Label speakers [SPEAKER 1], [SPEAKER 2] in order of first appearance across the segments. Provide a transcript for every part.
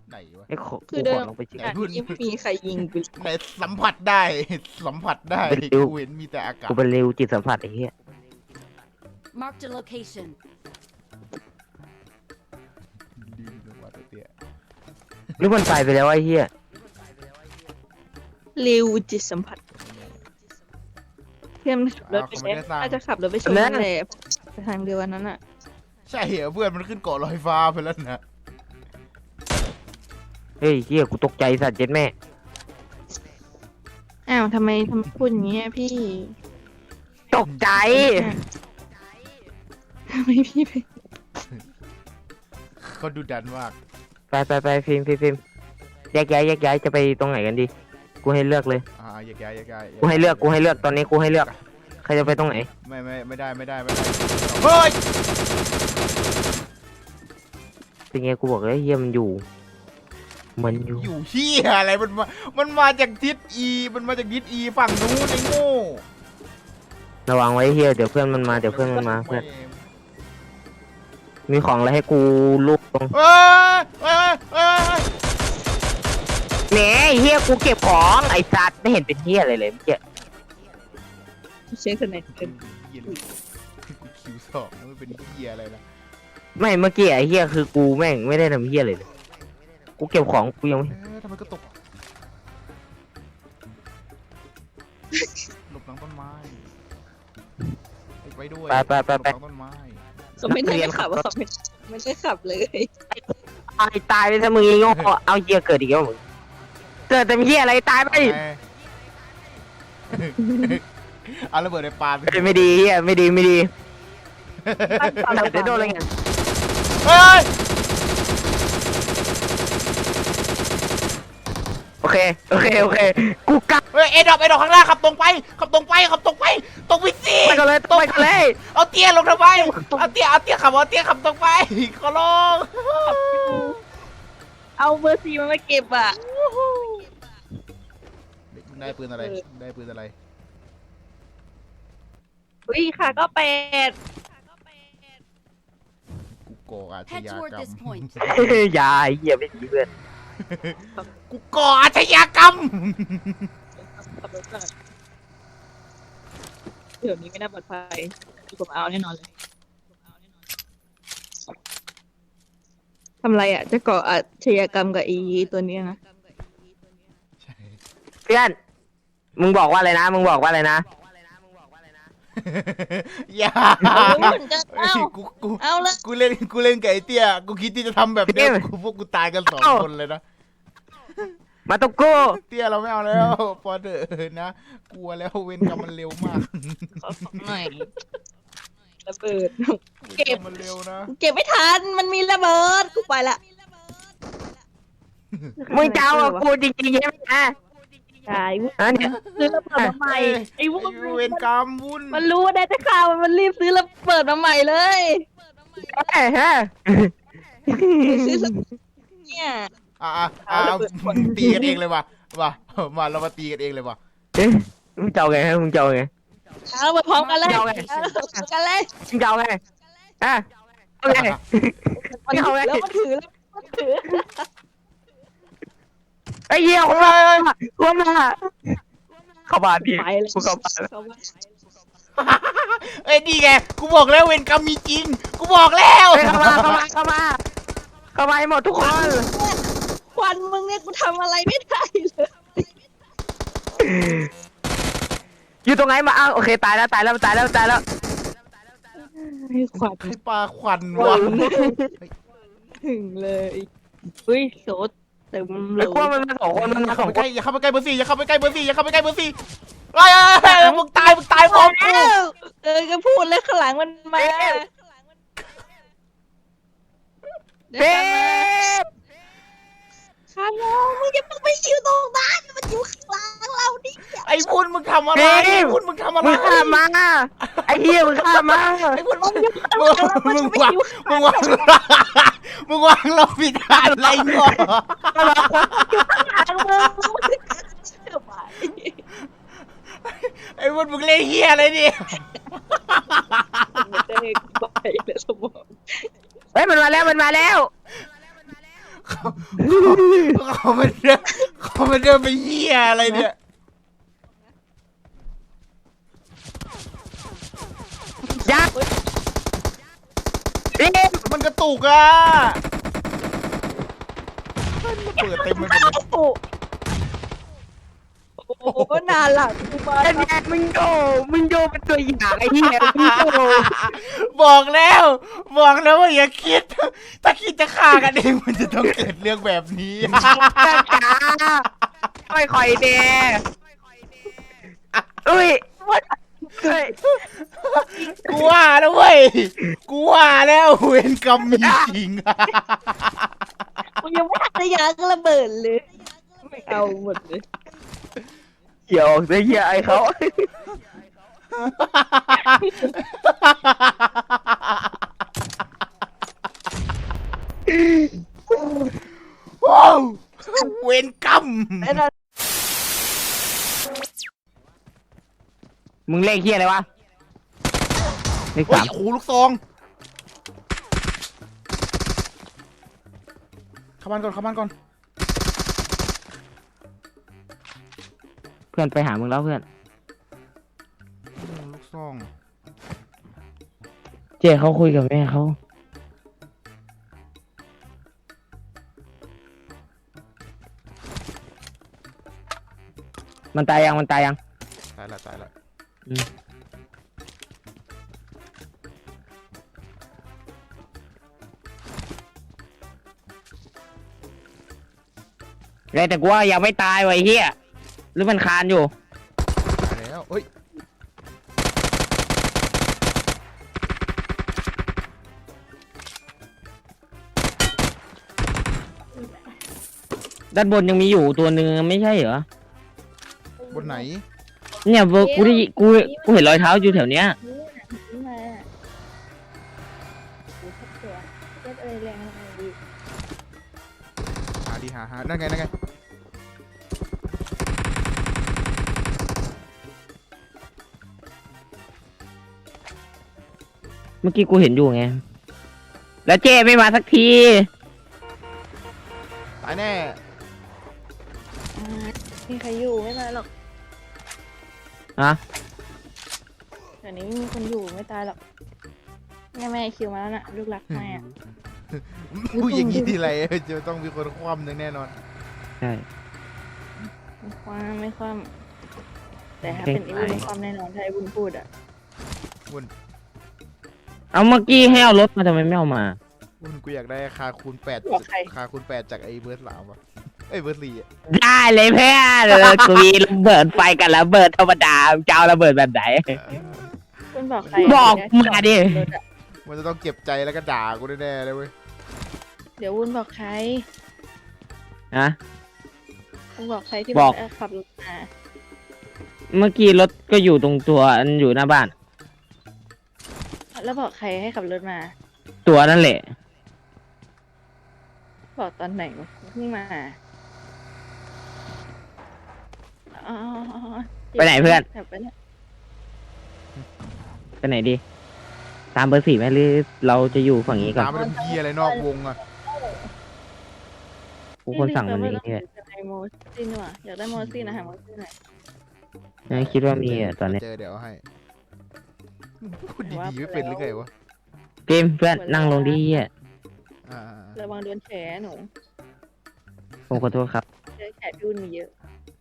[SPEAKER 1] ไหนวะ
[SPEAKER 2] ไอ้
[SPEAKER 3] คือเดิ
[SPEAKER 2] ขอ
[SPEAKER 3] ม
[SPEAKER 2] ลงไปเช็ค
[SPEAKER 3] อันนี้ไม่มีใครยิงกู
[SPEAKER 1] ไหนสัมผัสได้สัมผัสได้กูเห็นมีแต่อากาศ
[SPEAKER 2] กูเป็นเร็วจิตสัมผัสไอ้เหี้ย
[SPEAKER 4] Marked a location.
[SPEAKER 1] ดีจังวะตัวเตี้ย
[SPEAKER 2] นึกมันไปแล้วไอ้เหี้ย
[SPEAKER 3] เร็วจิตสัมผัสเพื่อนขับรถไปน่าจะขับรถไปชนนั่นแหละไปทางเดียวกันนั้นอ่ะ
[SPEAKER 1] ใช่เหรอเพื่อนมันขึ้นเกาะลอยฟ้าไปแล้วนะ
[SPEAKER 2] เฮ้ยเหี้ยกูตกใจสัตว์เจ็ดแม่
[SPEAKER 3] อ้าวทำไมพูดอย่างเงี้ยพี่
[SPEAKER 2] ตกใจ
[SPEAKER 3] ทำไมพี่ไป
[SPEAKER 1] เขาดูดันมาก
[SPEAKER 2] ไปฟิล์มแยกย้ายจะไปตรงไหนกันดีกูให้เลือกเลย
[SPEAKER 1] อย่าแกอย่าแก
[SPEAKER 2] กูให้เลือกตอนนี้กูให้เลือกใครจะไปตรงไหน
[SPEAKER 1] ไม่ได้เฮ้ย
[SPEAKER 2] เป็นไงกูบอกเลยเหี้ยมันอยู่
[SPEAKER 1] อยู่เฮียอะไรมันมาจากทิศอีมันมาจากทิศอีฝั่งนู้นไอ้โง่
[SPEAKER 2] ระวังไว้เหี้ยเดี๋ยวเพื่อนมันมาเพื่อนมีของอะไรให้กูลูกตรง
[SPEAKER 1] เอ้ย
[SPEAKER 2] แหนเหี้ยกูเก็บของไอ้สัตว์ไม่เห็นเป็นเหี้ยอะไรเลยเมื่อกี้
[SPEAKER 3] เช็คคนไหนเป็น
[SPEAKER 1] คิวสองมันเป็นเฮียอะไรนะ
[SPEAKER 2] ไม่เมื่อกี้ไอ้เหี้ยคือกูแม่งไม่ได้ทำเหี้ยเลยกูเก็บของกูยังไม่
[SPEAKER 1] ทำไมก็ตกหลบหลังต้นไม้ไปด้วยหลบหลังต้นไม้
[SPEAKER 3] เขาไม่ได้ขับว่าเขาไม่ได้ขับเลย
[SPEAKER 2] ตายไปซะมึงไอ้โง่เอาเหี้ยเกิดอีกแล้วมึงเกิดแต่เหี้ยอะไรตายไป
[SPEAKER 1] เอาระเบิดในปลา
[SPEAKER 2] ไม่ดีเหี้ยไม่ดีเดี๋ยวโดนอะไรเงี้ย
[SPEAKER 1] เฮ้ย
[SPEAKER 2] โอเคกูกลับ
[SPEAKER 1] เฮ้ยเอ็ดดอกข้างหน้าขับตรงไปตรงไปสิ
[SPEAKER 2] ไปกันเลย
[SPEAKER 1] เอาเตี้ยลงทำไมเอาเตี้ยขับตรงไปขอร้อง
[SPEAKER 3] เอาเบอร์ซีมาเก็บอ่ะ
[SPEAKER 1] ได้ปืนอะไร
[SPEAKER 3] อุ้ยค่ะก็เป็ด
[SPEAKER 1] กูก่ออาช
[SPEAKER 4] Head
[SPEAKER 1] ญาก
[SPEAKER 4] toward
[SPEAKER 1] รร
[SPEAKER 4] this
[SPEAKER 1] ม
[SPEAKER 4] point.
[SPEAKER 2] อย่าเหี้ยไม่ดีเพื่อน
[SPEAKER 1] กูก่ออาชญากรรม
[SPEAKER 3] ขับรถก่อนเดี๋ยวนี้ไม่น่าปลอดภัยผมเอาแน่นอนเลยทำไรอ่ะจะก่ออาชญากรรมกับอีตัวนี้นะ
[SPEAKER 2] เพื่อนมึงบอกว่าอะไรนะ
[SPEAKER 1] อย่า
[SPEAKER 3] เอาเลย
[SPEAKER 1] กูเล่นกับไอ้เตี้ยกูคิดที่จะทำแบบนี้พวกกูตายกัน2 คนเลยนะ
[SPEAKER 2] มาตกกู
[SPEAKER 1] เตี้ยเราไม่เอาแล้วพอเถอะนะกลัวแล้วเวรกรรมมันเร็วมาก
[SPEAKER 3] ขอของหน่อยระเบิด
[SPEAKER 1] เก็บมันเร็วนะ
[SPEAKER 3] เก็บไม่ทันมันมีระเบิดกูไปละ
[SPEAKER 2] มึงจะเอากับกูจริงๆใช่ไหมนะ
[SPEAKER 3] ตาย
[SPEAKER 2] เนี่ย
[SPEAKER 3] ซื้อระเบิดมาใหม่ไอ้วุ้น
[SPEAKER 1] เวรกรรมวุ่น
[SPEAKER 3] มันรู้ว่าได้แต่ข่าวมันรีบซื้อระเบิดมาใหม่เลย
[SPEAKER 2] ฮะ
[SPEAKER 3] ซื้อเนี่ย
[SPEAKER 1] ตีกันเองเลยว่ะมาเรามาตีกันเองเลยว่ะ
[SPEAKER 2] มึงเจ้าไงมึงเจ้าไง
[SPEAKER 3] เอาไปพร้อมกันเลยกันเลย
[SPEAKER 2] มึงเจ้าไงอ่ะโอเค
[SPEAKER 3] แล้วมันถือ
[SPEAKER 2] ไอ้เหี้ยคนมาเข้าบ้านพี่
[SPEAKER 3] ไปเลย
[SPEAKER 2] กูเข้าบ้าน
[SPEAKER 1] เอ้ยดีไงกูบอกแล้วเวรกรรมมีจริงกูบอกแล้ว
[SPEAKER 2] เข้ามาให้หมดทุกคน
[SPEAKER 3] ควันมึงเนี่ยกูทำอะไรไม่ได้เลย
[SPEAKER 2] อยู่ตรงไหนมาอ้าวโอเคตายแล้ว
[SPEAKER 3] ให้ควัน
[SPEAKER 1] ให้ปลาควันวะ
[SPEAKER 3] ถึงเลยอุ้ยโสดเต็มเล
[SPEAKER 2] ไอ้
[SPEAKER 3] ย
[SPEAKER 2] กลัวมันมา2 คนมันมา2 คน
[SPEAKER 1] อย่าเข้าไปใกล้เบอร์ 4อย่าเข้าไปใกล้เบอร์ 4เฮ้ยมึงตายพร้อมกู
[SPEAKER 3] ก็พูดเลยข้างหลังมันมา
[SPEAKER 2] เบ๊บ
[SPEAKER 3] ข้างเรามึงอย่าไปอยู่ตรงนั้นมันอยู่ข้างหลังเราดิ
[SPEAKER 1] ไอ้พุนมึงทำอะไรมึงข้ามมา
[SPEAKER 2] ไอ้เหี้ยมึงข้ามมา
[SPEAKER 1] ไอ้พุนมึงวางเราผิดอะไรเนาะไอ้พุนมึงเล่นเฮียอะไรเนี่ย
[SPEAKER 3] ไม่ได้ไปเลยสมอง
[SPEAKER 2] เฮ้ยมันมาแล้ว
[SPEAKER 1] เขามันเดินไปเหี้ยอะไรเนี่ย
[SPEAKER 2] ยักษ์เอ๊ะ
[SPEAKER 1] มันกระตุกอ่ะมันเปิดเต็มไปหมดเลย
[SPEAKER 3] โอ้โหนานหลังกูมา
[SPEAKER 2] ไอ้แม่มึงโยเป็นตัวอย่างไอ้เหี้ยมึงโย
[SPEAKER 1] บอกแล้วว่าอย่าคิด ถ้าคิดจะฆ่ากันเองมันจะต้องเกิดเรื่องแบบนี้
[SPEAKER 2] จ้าจ๋าไม่ค่อยเด้อุ้ยเฮ้ย
[SPEAKER 1] กูว่าแล้วเว้ยกูว่าแล้วเวรกรรมมีจริง
[SPEAKER 3] กูยังไม่ทันจะยางระเบิดเลยไม่เอาหมดเลย
[SPEAKER 2] เกี่ยวได้เหี้ยไอ้เขา
[SPEAKER 1] ว้าวเวรกรรม
[SPEAKER 3] ไอ้นั่น
[SPEAKER 2] มึงเลขเหี้ยอะไรวะเลข
[SPEAKER 1] โอ้
[SPEAKER 2] สาย ม
[SPEAKER 1] โอ้โหลูกซองเข้าบ้านก่อน
[SPEAKER 2] เพื่อนไปหามึงแล้วเพื่อน
[SPEAKER 1] ลูกซอง
[SPEAKER 2] เจ๊เขาคุยกับแม่เขามันตายยัง
[SPEAKER 1] ตายละ
[SPEAKER 2] อืมแต่กูว่ายังไม่ตายไวะไอ้เฮียหรือมันคานอยู่
[SPEAKER 1] ตายแล้วเฮ้ย
[SPEAKER 2] ด้านบนยังมีอยู่ตัวหนึ่งไม่ใช่เหรอ
[SPEAKER 1] บนไหน
[SPEAKER 2] เนี่ยกูเห็นรอยเท้าอยู่แถวเนี้ย
[SPEAKER 3] นี่มาโอ้ทับตัวเจ็ดอะไรแรงอะไรดี
[SPEAKER 1] หานั่นไง
[SPEAKER 2] เมื่อกี้กูเห็นอยู่ไง แล้วเจ้ไม่มาสักที
[SPEAKER 1] ตายแน่
[SPEAKER 3] มีใครอยู่ไม่ตายหรอก
[SPEAKER 2] ฮะ
[SPEAKER 3] เดี๋ยวนี้ไม่มีคนอยู่ไม่ตายหรอกแม่คิวมาแล้วน่ะลูกรักแม่
[SPEAKER 1] พูดอย่างนี้ทีไรจะต้องมีคนคว่ำแน่นอน
[SPEAKER 2] ใช่
[SPEAKER 3] ไม่ความแต่ถ้าเป็นอีวุ้นความแน่นอนถ้าไอ้วุ้นพูดอ่ะ
[SPEAKER 2] เอาเมื่อกี้ให้เอารถมาทำไมไม่เอามา
[SPEAKER 1] กูอยากได้คาคูณ 8จากไอ้เบิร์ด3ว่ะเอ้ยเบิร์ด4อ่ะ
[SPEAKER 2] ได้เลยเพื่อนกูมีระเบิดไฟกับระเบิดธรรมดาจะเอาระเบิดแบบไหน
[SPEAKER 3] คุณบอกใคร
[SPEAKER 2] บอกมาดิ
[SPEAKER 1] มันจะต้องเก็บใจแล้วก็ด่ากูแน่ๆเลยเว้ย
[SPEAKER 3] เดี๋ยววุ้นบอกใคร
[SPEAKER 2] ฮะ
[SPEAKER 3] คุณบอกใครที่
[SPEAKER 2] บอก
[SPEAKER 3] ขับรถมา
[SPEAKER 2] เมื่อกี้รถก็อยู่ตรงตัวอันอยู่หน้าบ้าน
[SPEAKER 3] แล้วบอกใครให้ขับรถมา
[SPEAKER 2] ตัวนั่นแหละ
[SPEAKER 3] บอกตอนไหนวะเพิ่งมาอ๋อ
[SPEAKER 2] ไปไหนเพื่อน
[SPEAKER 3] ขับไปเนี่ย
[SPEAKER 2] ไปไหนดี ตามเบอร์ 4ไหมหรือเราจะอยู่ฝั่งนี้ก่อน
[SPEAKER 1] ตามไปเป็นพี่อะไรนอกวงอ่ะ
[SPEAKER 2] กูคนสั่งมันนี้
[SPEAKER 3] เนี่
[SPEAKER 2] เนี่ย
[SPEAKER 3] ยโมซินว่ะอยากได้โมซินนะหาโมซินหน่อย
[SPEAKER 2] ไม่คิดว่ามีอ่ะตอนเนี้ย
[SPEAKER 1] เจอเดี๋ยวเอาให้พูดดีๆไม่เป็นหรือไงวะ
[SPEAKER 2] เกมเพื่อนนั่งลงดีอ่ะ
[SPEAKER 1] อ่า
[SPEAKER 3] ระวังโดนแฉหนู
[SPEAKER 2] ผมขอโทษครับ
[SPEAKER 3] เจอแฉพี่วุ้นมีเยอะ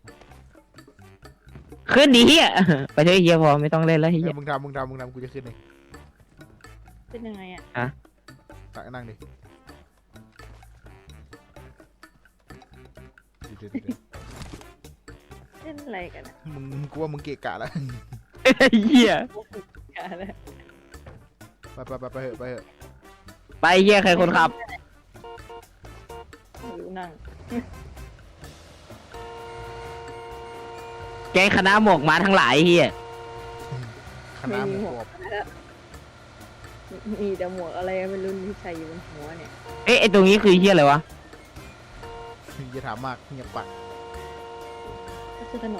[SPEAKER 2] ขึ้นดีเฮียไปเถอะเฮียพอไม่ต้องเล่นแล้วเฮีย
[SPEAKER 1] มึงทำกูจะขึ้นเอง
[SPEAKER 3] เป็นยังไงอ่ะ
[SPEAKER 1] ตักนั่งดิเดี๋ยว
[SPEAKER 3] เล่นอะไรกันอะ
[SPEAKER 1] มึงกูว่ามึงเกะกะแล้ว
[SPEAKER 2] เฮีย
[SPEAKER 3] กันแล้ว
[SPEAKER 1] ไปเถอะ
[SPEAKER 2] ไปเฮียใครคนขับ
[SPEAKER 3] หรือนั่ง
[SPEAKER 2] แกงคณะหมวกมาทั้งหลายเฮีย
[SPEAKER 1] คณะหมูกรอบ
[SPEAKER 3] มีแต่หมวกอะไรไม่รู้ที่ใส่อยู่บนหัวเนี่ย
[SPEAKER 2] เอ๊ะไอตรงนี้คือเฮียอะไรวะ
[SPEAKER 1] อย่าถามมากเงียบปาก
[SPEAKER 3] ก็คือถนน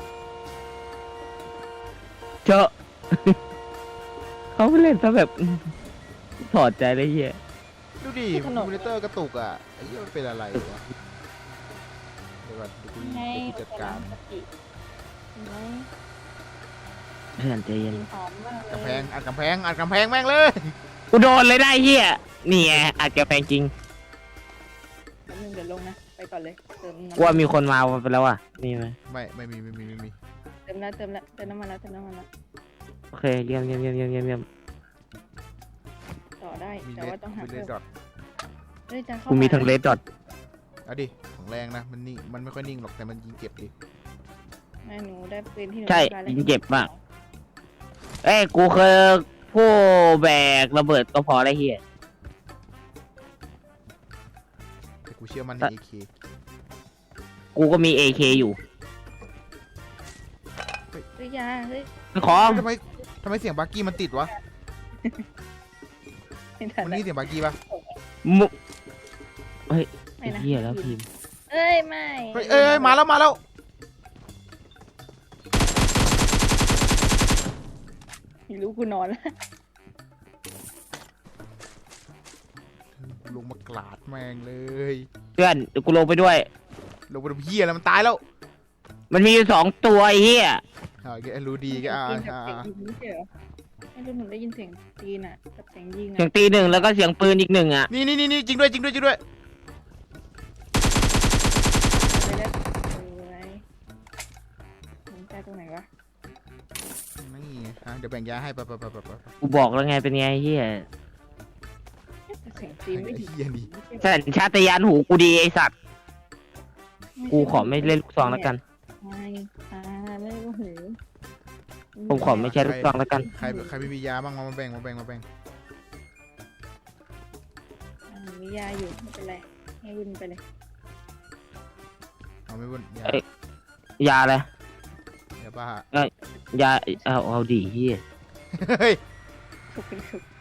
[SPEAKER 2] เจอะ เขาไปเล่นซะแบบถอดใจเลยเฮีย
[SPEAKER 1] ดูดิคอมพิวเตอร์กระตุกอ่ะไอ้เหี้ยมันเป็นอะไรวะเดี๋ยวก่อนเดี๋ยวกู
[SPEAKER 3] ไง
[SPEAKER 1] จัดการ
[SPEAKER 3] สติเห็นไหม
[SPEAKER 2] เพื่อนใจเย็น
[SPEAKER 3] กินหอมมากเลย
[SPEAKER 1] กำแพงอัดกำแพงอัดกำแพงแม่งเลย
[SPEAKER 2] กูโดนเลยได้เฮียนี่ไงอาจจะแพงจริง
[SPEAKER 3] แป๊บนึงเดี๋ยวลงนะไปก่อนเลยเติมน้ำ
[SPEAKER 2] กลัวมีคนมาไปแล้วอ่ะมีไหม
[SPEAKER 1] ไม่มี
[SPEAKER 3] เติมแล้วเติมแล้วเติมน้ำมันแล้วเติมน้ำมันแล้ว
[SPEAKER 2] โอเคเยี่ยม
[SPEAKER 3] ต่อได้
[SPEAKER 1] มี
[SPEAKER 3] แต่ว่าต้องหา
[SPEAKER 1] เล
[SPEAKER 3] เพิ่
[SPEAKER 1] ส
[SPEAKER 3] ม
[SPEAKER 1] ดอท
[SPEAKER 3] เฮ้ยจะเข้า
[SPEAKER 2] กูมีทั้งเลดดอท
[SPEAKER 1] เอาดิของแรงนะมันนิ่งมันไม่ค่อยนิ่งหรอกแต่มันยิงเจ็บดิ
[SPEAKER 3] แม่หนูได้ปืนที่หนู
[SPEAKER 2] ใช่
[SPEAKER 3] ต้องการแล้ว
[SPEAKER 2] ยิงเจ็บมากเอ้ยกูเคยผู้แบกระเบิดก็พอได้เฮีย
[SPEAKER 1] แต่กูเชื่อมันใน AK
[SPEAKER 2] กูก็มี AK อยู่
[SPEAKER 3] เฮ้ยยาเฮ้ย
[SPEAKER 2] ขอ
[SPEAKER 1] ทำไมเสียงบักกี้มันติดวะ
[SPEAKER 3] ไม่ทัน
[SPEAKER 1] มัน
[SPEAKER 3] แล้ว
[SPEAKER 1] นี่เสียงบักกี้ปะ
[SPEAKER 2] มุเฮ้ย
[SPEAKER 3] ไม่นะ
[SPEAKER 2] เฮียแล้วพิมพ์
[SPEAKER 3] เอ้ยไม่
[SPEAKER 1] เอ้ยมาแล้ว
[SPEAKER 3] ไม่รู้กูนอนแล้ว
[SPEAKER 1] ลงมากราดแม่งเลย
[SPEAKER 2] เพื่อนเดี๋ยวกูลงไปด้วย
[SPEAKER 1] ลงไปดูเหี้ยแล้วมันตายแล้ว
[SPEAKER 2] มันมีอยู่2 ตัวไอ้เฮีย
[SPEAKER 1] แกรู้ดีแก
[SPEAKER 3] กินกับเสียงยิงไม่ใช่เหรอไม่รู้หนูได้ยินเสียงตีนอ่ะกับเสียงยิง
[SPEAKER 2] เสีย
[SPEAKER 3] อ่ะ
[SPEAKER 2] งตีหนึ่งแล้วก็เสียงปืนอีก1อ่ะ
[SPEAKER 1] นี่จริงด้วย
[SPEAKER 3] ไปแล้วเอ้ยมันแก้ตรงไหนวะ
[SPEAKER 1] นี่เดี๋ยวแบ่งยาให้ไป
[SPEAKER 2] กูบอกแล้วไงเป็นไงเฮีย
[SPEAKER 3] แต่เสียงตีนไม่ดี
[SPEAKER 1] เหี้ยนี่
[SPEAKER 2] สัญชาตญาณหูกูดีไอสัตว์กูขอไม่เล่นลูกซองแล้วกัน
[SPEAKER 3] ไม่ไม่โอ้โห
[SPEAKER 2] ผมขอไม่ใช่ลูกซองแล้วกัน
[SPEAKER 1] ใครไม่มียาบ้างมาแบ่ง
[SPEAKER 3] มียาอยู่ไม่เป็นไรให้วุ่นไปเลย
[SPEAKER 1] เอาไม่บุญยา
[SPEAKER 2] เอ้ย ยาอะไร
[SPEAKER 1] ยาบ้าย
[SPEAKER 2] าเอาดีเฮีย
[SPEAKER 1] เฮ้ย
[SPEAKER 3] ถูกถูก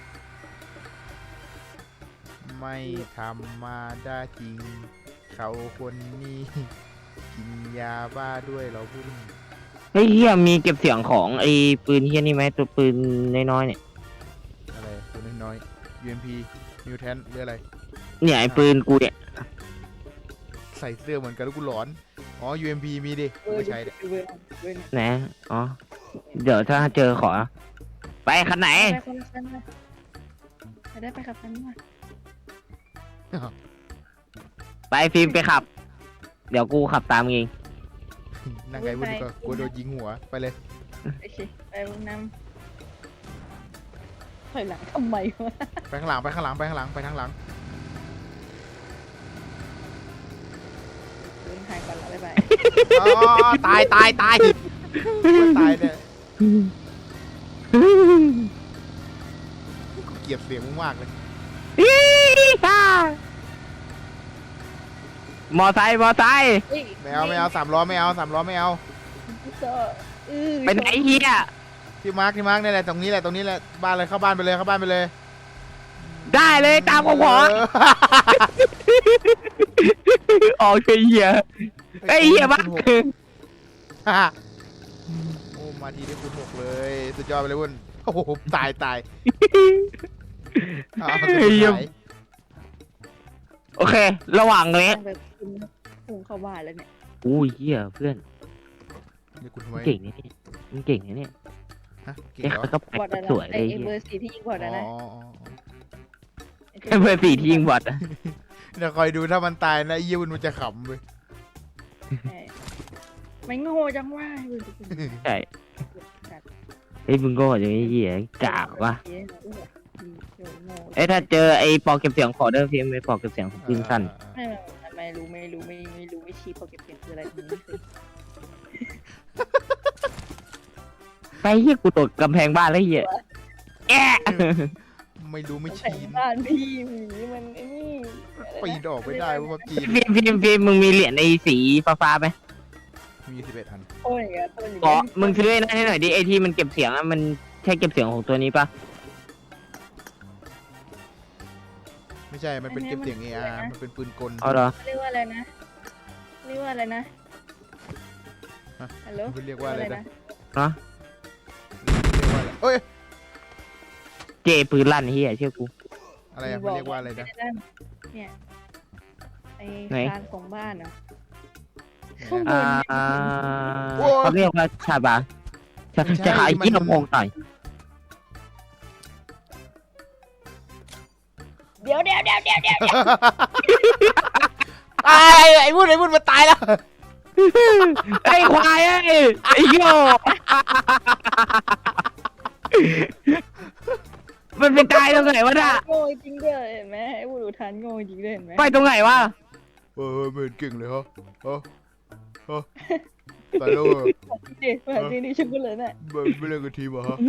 [SPEAKER 1] ไม่ธรรมาได้จริง เขาคนนี้กินยาบ้าด้วยเราพูด
[SPEAKER 2] เฮ้ยเฮียมีเก็บเสียงของไอ้ปืนเฮียนี่ไหมตัวปืนน้อยๆเนี่ย
[SPEAKER 1] อะไรตัวน้อยๆ UMP Mutant หรืออะไร
[SPEAKER 2] เนี่ยไอ้ปืนกูเนี่ย
[SPEAKER 1] ใส่เสื้อเหมือนกันแล้วกูหลอน อ๋อ UMP มีดิกูก็ใช้ดิ
[SPEAKER 3] เวอร์เวอร์
[SPEAKER 2] ไหนอ๋อเดี๋ยวถ้าเจอขอ ไปคันไหน
[SPEAKER 3] ไปคนละคันมาไปได้ไปขับคันมา
[SPEAKER 2] ไปฟิล์มไปขับ เดี๋ยวกูขับตามเอง
[SPEAKER 1] นั่งไงบุญก็กลัวโดนยิงหัวไปเลย
[SPEAKER 3] โอเคไปวงน้ำถอยหลังทำไมวะ
[SPEAKER 1] ไปข้างหลังไปทางหลัง
[SPEAKER 3] เดินทางก่อนแล้วบ๊ายบาย
[SPEAKER 1] อ๋อตายเนี่ยกูเกลียดเสียงมึงมากเลย
[SPEAKER 2] มอไซค์
[SPEAKER 1] ไม่เอา3 ล้อไม่เอา
[SPEAKER 2] ไปไหนเฮีย
[SPEAKER 1] ที่มาร์กนี่แหละตรงนี้แหละบ้านเลยเข้าบ้านไปเลย
[SPEAKER 2] ได้เลยตามกูขอออกเฮียไอ้เฮียบ้า
[SPEAKER 1] โอ้มาทีได้คูณ 6เลยสุดยอดไปเลยวุ้นโอ้โหตาย
[SPEAKER 2] โอเค ระหว่างนี้
[SPEAKER 3] แบบพุ่งเข้าบ้านแล้วเนี่ย
[SPEAKER 2] อู้เฮียเพื่อน
[SPEAKER 1] นี่คุณทำไม
[SPEAKER 2] เก่งนะเนี่ยมึงเก่งนะเนี่ย
[SPEAKER 1] ฮะเก่ง
[SPEAKER 2] ไอ้
[SPEAKER 1] เหรอ
[SPEAKER 2] ก็
[SPEAKER 3] บอดอะไร
[SPEAKER 2] สวยเล
[SPEAKER 3] ไอ้
[SPEAKER 2] ยเฮีย
[SPEAKER 3] เบอร์4ที่ยิงบอด
[SPEAKER 1] อ๋
[SPEAKER 3] นะ
[SPEAKER 2] ไอ้เบอร์4ที่ยิงบอดอะ
[SPEAKER 1] เดี๋ยวคอยดูถ้ามันตายนะไอ้เยี่ยวุ้นมันจะขำเว้ย
[SPEAKER 3] ไม่โง่จังว่า
[SPEAKER 2] ใช่ไอ้มึงก็อย่างนี้เหี้ยกากวะไอ้ถ้าเจอไอ้ปอกเก็บเสียงขอเดิมพีไอ้ปอกเก็บเสียงของปืนสั้น
[SPEAKER 3] ไม่รู้ไม่ชี้พอเก็บเสียงคืออะไรตรงนี้
[SPEAKER 2] ไปเหี้ยกูตกกำแพงบ้านแล้วเหี้ยแอะ
[SPEAKER 1] ไม่รู้ไม่
[SPEAKER 3] แต่
[SPEAKER 1] ชี้
[SPEAKER 3] บ้านพี่หมีมันไอ้นี่
[SPEAKER 1] ปีนออกไม่ได้ว่าพับจี
[SPEAKER 2] ฟิล์มมึงมีเหรียญไอ้สีฟ้าๆไหม
[SPEAKER 1] มี11 อัน
[SPEAKER 3] โอ้ยอ่ะตัวนี้
[SPEAKER 2] ขอมึงซื้อไอ้นั่นให้หน่อยดิไอ้ที่มันเก็บเสียงอะมันใช่เก็บเสียงของตัวนี้ปะ
[SPEAKER 1] ไม่ใช่มันเป็นเก็บเสียง AR มันเป็นปืนกล
[SPEAKER 2] อ๋อเหรอ
[SPEAKER 3] เรียกว่าอะไรนะฮัลโหล
[SPEAKER 1] มันเรียกว่าอะไรนะ
[SPEAKER 2] เนาะ
[SPEAKER 1] เรียกว่าอะไรเอ้ย
[SPEAKER 2] เจปืนลั่นเหี้ยเชื่อกู
[SPEAKER 1] อะไรอะมันเรียกว่าอะไรนะ
[SPEAKER 3] เนี่ยไอ้
[SPEAKER 2] ไหน
[SPEAKER 3] คานของบ้านอ่ะ
[SPEAKER 2] อ่า
[SPEAKER 1] โอ้
[SPEAKER 2] เขาเรียกว่าชาบาจะขายยี่ห้อโมงต่อย
[SPEAKER 3] เดี๋ยว
[SPEAKER 1] ไอ้พูดมันตายแล้ว
[SPEAKER 2] ไอ้ควายไอ้โย่มันไปตายตรงไหนวะน่ะ
[SPEAKER 3] โง่จริงด้วยเห็นไหมไอ้บุรุษทานโง่จริงด้วยเห็นไหม
[SPEAKER 2] ไปตรงไหนวะ
[SPEAKER 1] ไม่เห็นเก่งเลยฮะตายแล้ว
[SPEAKER 3] จริงดิชุบกันเลยน่ะ
[SPEAKER 1] ไม่เล่นกับทีมเหรอฮะ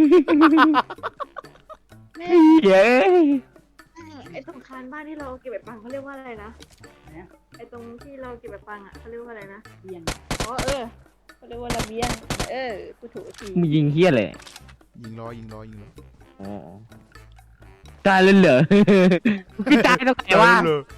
[SPEAKER 2] เย้
[SPEAKER 3] ไอ้ตรงคานบ้านที่เราเก็บแบบปังเขาเรียกว่าอะไรนะไอ้ตรงที่เราเก็บแบบปังอ่ะเขาเรียกว่าอะไรนะเบียงอ๋อเขาเรียกว่าระเบียงกูถูกที
[SPEAKER 2] มึงยิงเฮี้ยเลย
[SPEAKER 1] ยิงล้อ
[SPEAKER 2] อ๋อตายเลยเหรอพี่ตายตรงไหนวะ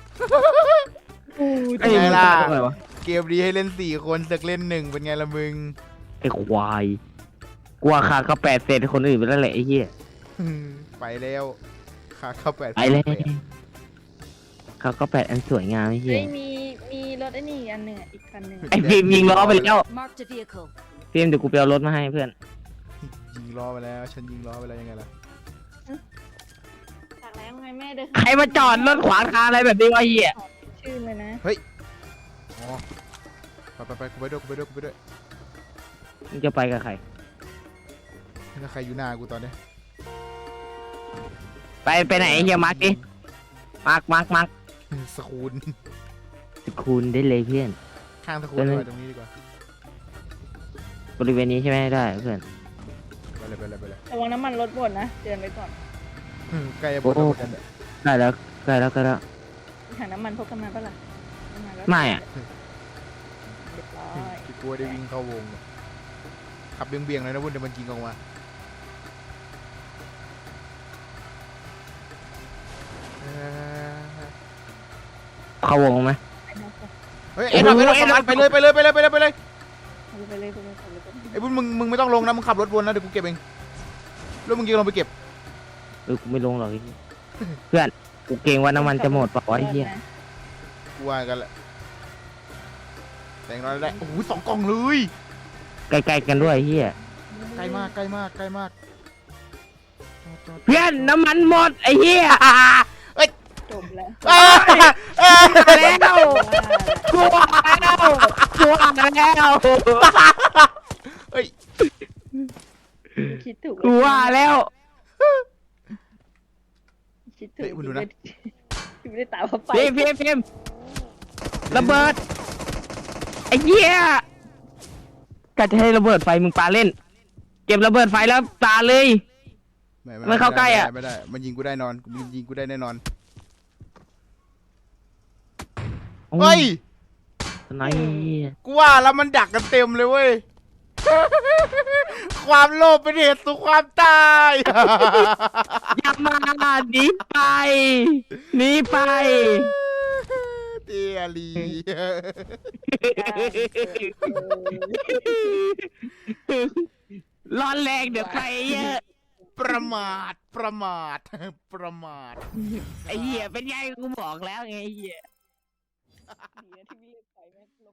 [SPEAKER 1] เป็นไงล่ะ
[SPEAKER 2] ตรงไหนวะ
[SPEAKER 1] เกมนี้ให้เล่น4 คนศึกเล่น1เป็นไงล่ะมึง
[SPEAKER 2] ไอ้ควายกลัวขาเขา8 เศษคนอื่นไปแล้วแหละไอ้เหี้ย
[SPEAKER 1] ไปแล้วขาเข้า8
[SPEAKER 2] ไปเลยเขาก็8 อันสวยงามไอ้เหี้ย
[SPEAKER 3] เฮ้ยมีรถไอ้นี่อีกอันหนึ่งอีกคันหนึ่ง
[SPEAKER 2] ไอ้ฟิล์มยิงล้อไปแล้ว
[SPEAKER 4] Marked a vehicle.
[SPEAKER 2] ฟิล์มเดี๋ยวกูไปเอารถมาให้เพื่อน
[SPEAKER 1] ยิงล้อไปแล้วฉันยิงล้อไปแล้วยังไงล่ะ
[SPEAKER 3] จากแล้วไงแม่เดิน
[SPEAKER 2] ใครมาจอดรถขวางทางอะไรแบบนี้วะไอ้เหี้ย
[SPEAKER 3] ชื่อเลยนะ
[SPEAKER 1] อ๋อไปกูไปด้วย
[SPEAKER 2] มึงจะไปกับใคร
[SPEAKER 1] ถ้าใครอยู่หน้ากูตอนนี้
[SPEAKER 2] ไปไหนไอ้เหี้ยมาร์กดิมาร์ก
[SPEAKER 1] สกูล
[SPEAKER 2] คูณได้เลยเพื่อน
[SPEAKER 1] ข้างสกูลไปตรงนี้ดีกว่า
[SPEAKER 2] บริเวณนี้ใช่ไหมได้เพื่อน
[SPEAKER 1] ไปเลย
[SPEAKER 3] ระวังน้ำมันรถหมดนะเตือนไว้ก่อน
[SPEAKER 1] ใกล้จะหมดแล้วเหมือนกัน
[SPEAKER 2] ได้แล้วใกล้แล้ว
[SPEAKER 3] หาน้ำมันพกกันมาปะล่ะแล้ว
[SPEAKER 2] ไม่อะ
[SPEAKER 3] เรียบร้อย
[SPEAKER 1] คิดกลัวได้วิ่งเข้าวงขับเบี่ยงๆเลยนะวุ่นเดี๋ยวมันยิงออกมา
[SPEAKER 2] เข้าวงไหม
[SPEAKER 1] เฮ้ยไปเลยไอ้บุญมึงไม่ต้องลงนะมึงขับรถวนนะเดี๋ยวกูเก็บเองแล้วมึงยิงลงไปเก็บ
[SPEAKER 2] กูไม่ลงหรอกไอ้เหี้ยเพื่อนกูเกรงว่าน้ำมันจะหมดเปล่าวะไอ้เหี้ย
[SPEAKER 1] กูว่ากันแหละแต่งน้อยได้โอ้โห2 กล่องเลย
[SPEAKER 2] ใกล้ๆกันด้วยไอ้เหี้ย
[SPEAKER 1] ใกล้มาก
[SPEAKER 2] เพื่อนน้ำมันหมดไอ้เหี้ย
[SPEAKER 3] จบแล้ว
[SPEAKER 2] แล้วกลัวแล้ว
[SPEAKER 3] คิดถูก
[SPEAKER 2] กลัวแล้ว
[SPEAKER 3] คิดถูกไม่ได้ตามเขาไป
[SPEAKER 2] พิมระเบิดไอ้เหี้ยกะจะให้ระเบิดไฟมึงปาเล่น เก็บระเบิดไฟแล้วปาเลย ไม่เข้าใกล้อะ
[SPEAKER 1] ไม่ได้มันยิงกูได้นอนมันยิงกูได้แน่นอนเฮ้ย
[SPEAKER 2] ไหน
[SPEAKER 1] กูว่าแล้วมันดักกันเต็มเลยเว้ย ความโลภเป็นเหตุสู่ความตาย
[SPEAKER 2] อย่ามาหนีไป
[SPEAKER 1] เตียลี
[SPEAKER 2] ร้อนแรงเดี๋ยวใครเยอะ
[SPEAKER 1] ประมาท
[SPEAKER 2] ไอ้เหี้ยเป็นไงกูบอกแล้วไงไอ้เหี้ย
[SPEAKER 3] ที่ไม่เลือกใครแม่ง